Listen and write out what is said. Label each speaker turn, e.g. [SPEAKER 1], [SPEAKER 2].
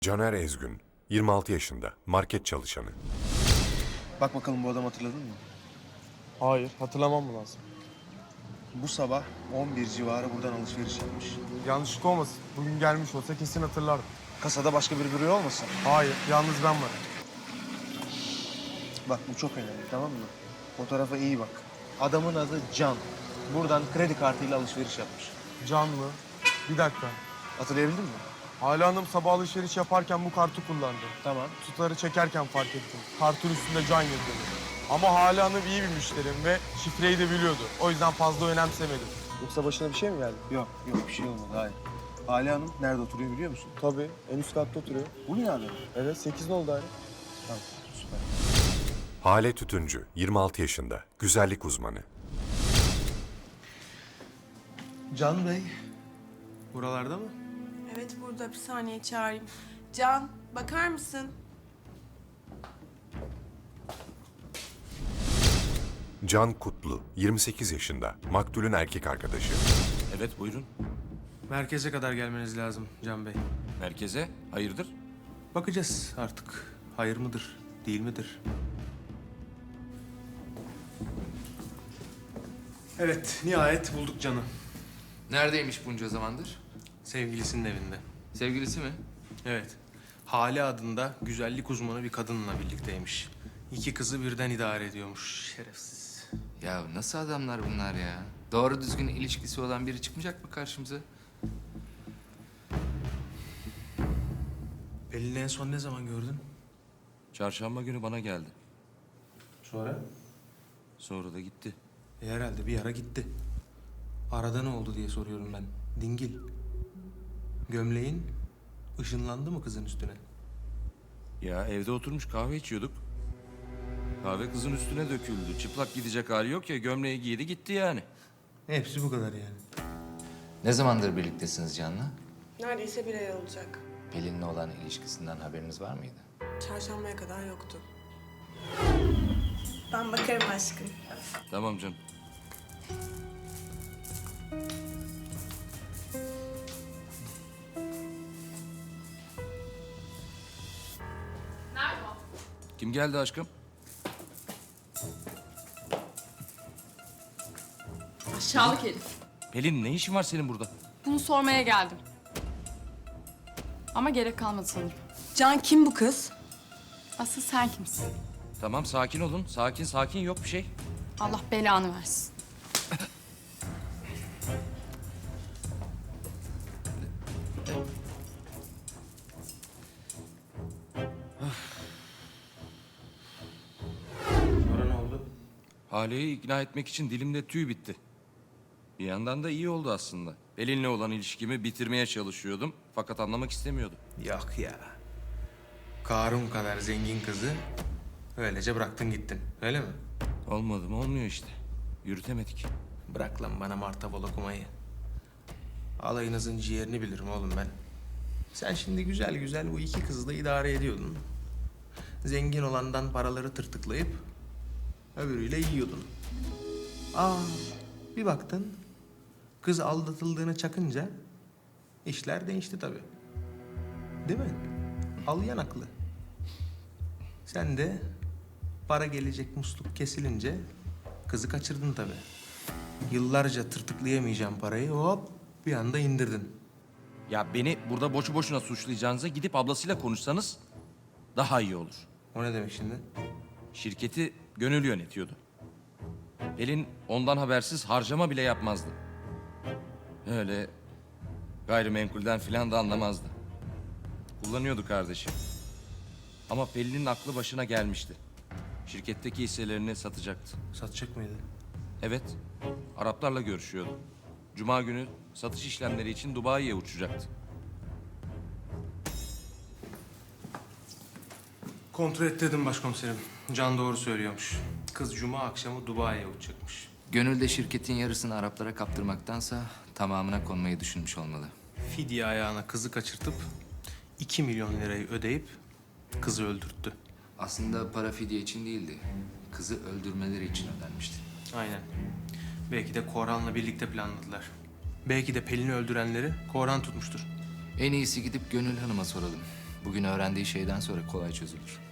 [SPEAKER 1] Caner Ezgün, 26 yaşında, market çalışanı.
[SPEAKER 2] Bak bakalım bu adamı hatırladın mı?
[SPEAKER 3] Hayır, hatırlamam mı lazım?
[SPEAKER 2] Bu sabah 11 civarı buradan alışveriş yapmış.
[SPEAKER 3] Yanlışlık olmasın. Bugün gelmiş olsa kesin hatırlardım.
[SPEAKER 2] Kasada başka biri duruyor olmasın?
[SPEAKER 3] Hayır, yalnız ben varım.
[SPEAKER 2] Bak bu çok önemli, tamam mı? Fotoğrafa iyi bak. Adamın adı Can. Buradan kredi kartıyla alışveriş yapmış.
[SPEAKER 3] Can mı? Bir dakika.
[SPEAKER 2] Hatırlayabildin mi?
[SPEAKER 3] Hala Hanım sabah alışveriş yaparken bu kartı kullandı.
[SPEAKER 2] Tamam.
[SPEAKER 3] Tutarı çekerken fark ettim. Kartın üstünde Can yazıyordu. Ama Hala Hanım iyi bir müşterim ve şifreyi de biliyordu. O yüzden fazla önemsemedim. Yoksa başına bir şey mi geldi?
[SPEAKER 2] Yok, bir şey olmadı, hayır. Hale Hanım nerede oturuyor biliyor musun?
[SPEAKER 3] Tabii, en üst katta oturuyor.
[SPEAKER 2] Bu binada mı?
[SPEAKER 3] Evet, 8 oldu daire.
[SPEAKER 2] Tamam, süper.
[SPEAKER 1] Hale Tütüncü, 26 yaşında, güzellik uzmanı.
[SPEAKER 2] Can Bey, buralarda mı?
[SPEAKER 4] Evet burada bir saniye çağırayım. Can bakar mısın?
[SPEAKER 1] Can Kutlu, 28 yaşında, maktulün erkek arkadaşı.
[SPEAKER 5] Evet buyurun.
[SPEAKER 6] Merkeze kadar gelmeniz lazım Can Bey.
[SPEAKER 5] Merkeze. Hayırdır?
[SPEAKER 6] Bakacağız artık. Hayır mıdır, değil midir? Evet, nihayet bulduk Can'ı.
[SPEAKER 7] Neredeymiş bunca zamandır?
[SPEAKER 6] Sevgilisinin evinde.
[SPEAKER 7] Sevgilisi mi?
[SPEAKER 6] Evet. Hale adında güzellik uzmanı bir kadınla birlikteymiş. İki kızı birden idare ediyormuş. Şerefsiz.
[SPEAKER 7] Ya nasıl adamlar bunlar ya? Doğru düzgün ilişkisi olan biri çıkmayacak mı karşımıza?
[SPEAKER 6] Pelin'i en son ne zaman gördün?
[SPEAKER 5] Çarşamba günü bana geldi.
[SPEAKER 6] Sonra?
[SPEAKER 5] Sonra da gitti.
[SPEAKER 6] Herhalde bir ara gitti. Arada ne oldu diye soruyorum ben. Dingil. Gömleğin ışınlandı mı kızın üstüne?
[SPEAKER 5] Ya evde oturmuş kahve içiyorduk. Kahve kızın üstüne döküldü. Çıplak gidecek hali yok ya, gömleği giydi gitti yani.
[SPEAKER 6] Hepsi bu kadar yani.
[SPEAKER 7] Ne zamandır birliktesiniz Can'la?
[SPEAKER 4] Neredeyse bir ay olacak.
[SPEAKER 7] Pelin'le olan ilişkisinden haberiniz var mıydı?
[SPEAKER 4] Çarşambaya kadar yoktu. Ben bakarım aşkım.
[SPEAKER 5] Tamam canım.
[SPEAKER 8] Nerede o?
[SPEAKER 5] Kim geldi aşkım?
[SPEAKER 8] Aşağılık herif.
[SPEAKER 5] Pelin, ne işin var senin burada?
[SPEAKER 8] Bunu sormaya geldim. Ama gerek kalmadı sanırım.
[SPEAKER 4] Can kim bu kız?
[SPEAKER 8] Asıl sen kimsin?
[SPEAKER 5] Tamam, sakin olun. Sakin yok bir şey.
[SPEAKER 8] Allah belanı versin.
[SPEAKER 6] Sonra ne oldu?
[SPEAKER 5] Hale'yi ikna etmek için dilimde tüy bitti. Bir yandan da iyi oldu aslında. Pelin'le olan ilişkimi bitirmeye çalışıyordum. Fakat anlamak istemiyordu.
[SPEAKER 6] Yok ya. Karun kadar zengin kızı öylece bıraktın gittin. Öyle mi?
[SPEAKER 5] Olmadı mı olmuyor işte. Yürütemedik.
[SPEAKER 6] Bırak lan bana martabal okumayı. Alayınızın ciğerini bilirim oğlum ben. Sen şimdi güzel güzel bu iki kızı da idare ediyordun. Zengin olandan paraları tırtıklayıp öbürüyle yiyordun. Bir baktın kız aldatıldığını çakınca işler değişti tabii. Değil mi? Al yanaklı. Sen de para gelecek musluk kesilince kızı kaçırdın tabii. Yıllarca tırtıklayamayacağım parayı hop bir anda indirdin.
[SPEAKER 5] Ya beni burada boşu boşuna suçlayacağınıza gidip ablasıyla konuşsanız daha iyi olur.
[SPEAKER 6] O ne demek şimdi?
[SPEAKER 5] Şirketi Gönül yönetiyordu. Pelin ondan habersiz harcama bile yapmazdı. Öyle gayrimenkulden filan da anlamazdı. Kullanıyordu kardeşim. Ama Pelin'in aklı başına gelmişti. Şirketteki hisselerini satacaktı.
[SPEAKER 6] Satacak mıydı?
[SPEAKER 5] Evet, Araplarla görüşüyordu. Cuma günü satış işlemleri için Dubai'ye uçacaktı.
[SPEAKER 6] Kontrol et dedim başkomiserim. Can doğru söylüyormuş. Kız cuma akşamı Dubai'ye uçacakmış.
[SPEAKER 7] Gönül de şirketin yarısını Araplara kaptırmaktansa tamamına konmayı düşünmüş olmalı.
[SPEAKER 6] Fidye ayağına kızı kaçırtıp 2 milyon lirayı ödeyip kızı öldürttü.
[SPEAKER 7] Aslında para fidye için değildi. Kızı öldürmeleri için ödenmişti.
[SPEAKER 6] Aynen. Belki de Koran'la birlikte planladılar. Belki de Pelin'i öldürenleri Koran tutmuştur.
[SPEAKER 7] En iyisi gidip Gönül Hanım'a soralım. Bugün öğrendiği şeyden sonra kolay çözülür.